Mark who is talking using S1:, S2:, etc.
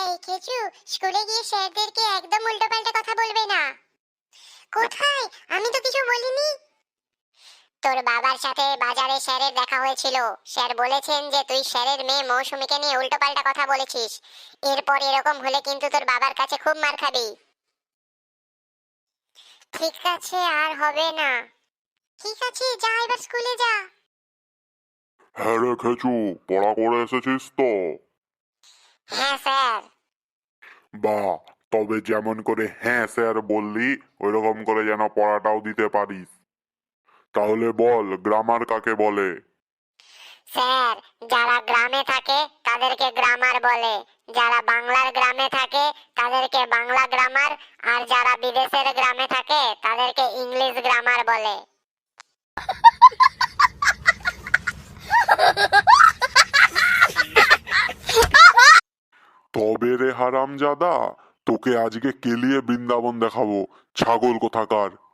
S1: এই কেচু, স্কুলে গিয়ে স্যারদেরকে একদম উল্টোপাল্টা কথা বলবে না। কোথায়? আমি তো কিছু বলিনি। তোর বাবার সাথে বাজারে স্যারের দেখা হয়েছিল। স্যার বলেছেন যে তুই স্যারের মেয়ে মৌসুমীকে নিয়ে উল্টোপাল্টা কথা বলেছিস। এরপর এরকম হলে কিন্তু তোর বাবার কাছে খুব মার খাবি। ঠিক আছে, আর হবে না। ঠিক আছে, যা এবার স্কুলে যা।
S2: হ্যাঁ রে খেচু, পড়া করে এসেছিস তো?
S1: হ্যাঁ স্যার।
S2: বাহ, তবে যেমন করে হ্যাঁ স্যার বললি ওইরকম করে যেন পড়াটাও দিতে পারিস। তাহলে বল, গ্রামার কাকে বলে?
S1: স্যার, যারা গ্রামে থাকে তাদেরকে গ্রামার বলে, যারা বাংলার গ্রামে থাকে তাদেরকে বাংলা গ্রামার, আর যারা বিদেশের গ্রামে থাকে তাদেরকে ইংলিশ গ্রামার বলে।
S2: তবে রে হারামজাদা, তোকে আজকে কেলিয়ে বৃন্দাবন দেখাবো, ছাগল কোথাকার।